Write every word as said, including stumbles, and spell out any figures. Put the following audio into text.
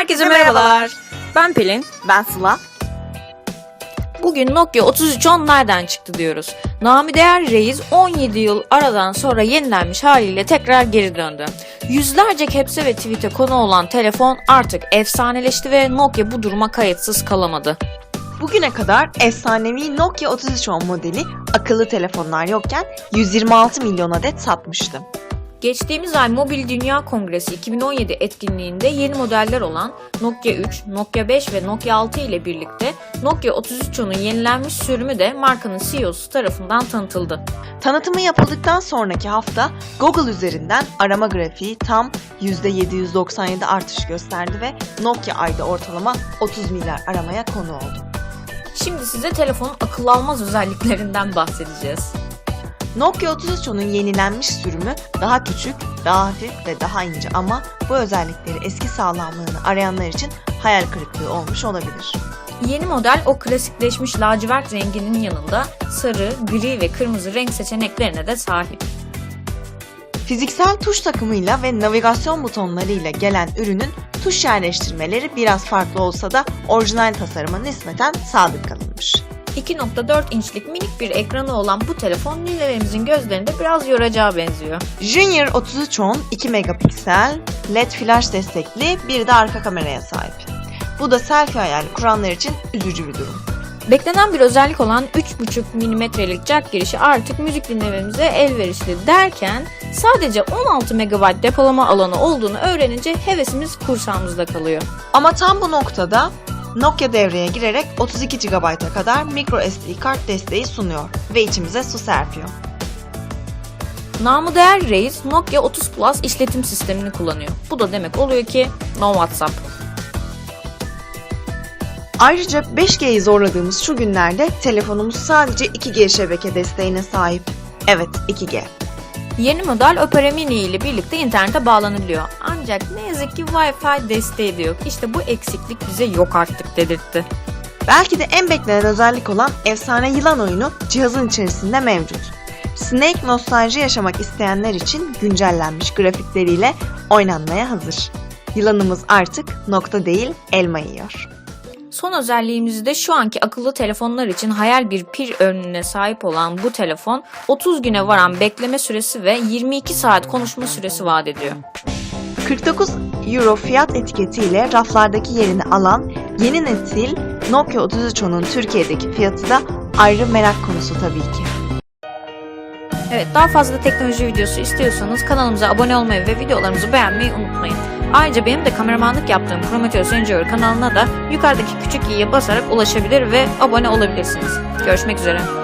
Herkese merhabalar. Ben Pelin. Ben Sıla. Bugün Nokia otuz üç on nereden çıktı diyoruz. Namı değer reis on yedi yıl aradan sonra yenilenmiş haliyle tekrar geri döndü. Yüzlerce caps'e ve tweet'e konu olan telefon artık efsaneleşti ve Nokia bu duruma kayıtsız kalamadı. Bugüne kadar efsanevi Nokia otuz üç on modeli akıllı telefonlar yokken yüz yirmi altı milyon adet satmıştı. Geçtiğimiz ay Mobil Dünya Kongresi iki bin on yedi etkinliğinde yeni modeller olan Nokia üç, Nokia beş ve Nokia altı ile birlikte Nokia otuz üç on'un yenilenmiş sürümü de markanın C E O'su tarafından tanıtıldı. Tanıtımı yapıldıktan sonraki hafta Google üzerinden arama grafiği tam yüzde yedi yüz doksan yedi artış gösterdi ve Nokia ayda ortalama otuz milyar aramaya konu oldu. Şimdi size telefonun akıl almaz özelliklerinden bahsedeceğiz. Nokia otuz üç on'un yenilenmiş sürümü daha küçük, daha hafif ve daha ince ama bu özellikleri eski sağlamlığını arayanlar için hayal kırıklığı olmuş olabilir. Yeni model o klasikleşmiş lacivert renginin yanında sarı, gri ve kırmızı renk seçeneklerine de sahip. Fiziksel tuş takımıyla ve navigasyon butonlarıyla gelen ürünün tuş yerleştirmeleri biraz farklı olsa da orijinal tasarıma nispeten sadık kalınmış. iki nokta dört inçlik minik bir ekranı olan bu telefon ninelerimizin gözlerinde biraz yoracağı benziyor. Junior otuz üç on iki megapiksel, L E D flash destekli bir de arka kameraya sahip. Bu da selfie hayali kuranlar için üzücü bir durum. Beklenen bir özellik olan üç buçuk milimetrelik jack girişi artık müzik dinlememize elverişli derken sadece on altı megabayt depolama alanı olduğunu öğrenince hevesimiz kursağımızda kalıyor. Ama tam bu noktada Nokia devreye girerek otuz iki gigabayta kadar microSD kart desteği sunuyor ve içimize su serpiyor. Namı değer reis Nokia otuz Plus işletim sistemini kullanıyor. Bu da demek oluyor ki no WhatsApp. Ayrıca beş G'yi zorladığımız şu günlerde telefonumuz sadece iki G şebeke desteğine sahip. Evet, iki G. Yeni model Opera Mini ile birlikte internete bağlanabiliyor. Ancak ne yazık ki Wi-Fi desteği de yok. İşte bu eksiklik bize yok artık dedirtti. Belki de en beklenen özellik olan efsane yılan oyunu cihazın içerisinde mevcut. Snake nostalji yaşamak isteyenler için güncellenmiş grafikleriyle oynanmaya hazır. Yılanımız artık nokta değil elma yiyor. Son özelliğimiz de şu anki akıllı telefonlar için hayal bir pil ömrüne sahip olan bu telefon otuz güne varan bekleme süresi ve yirmi iki saat konuşma süresi vaat ediyor. kırk dokuz euro fiyat etiketiyle raflardaki yerini alan yeni nesil Nokia otuz üç on'un Türkiye'deki fiyatı da ayrı merak konusu tabii ki. Evet, daha fazla teknoloji videosu istiyorsanız kanalımıza abone olmayı ve videolarımızı beğenmeyi unutmayın. Ayrıca benim de kameramanlık yaptığım Prometheus Enjoyer kanalına da yukarıdaki küçük i'ye basarak ulaşabilir ve abone olabilirsiniz. Görüşmek üzere.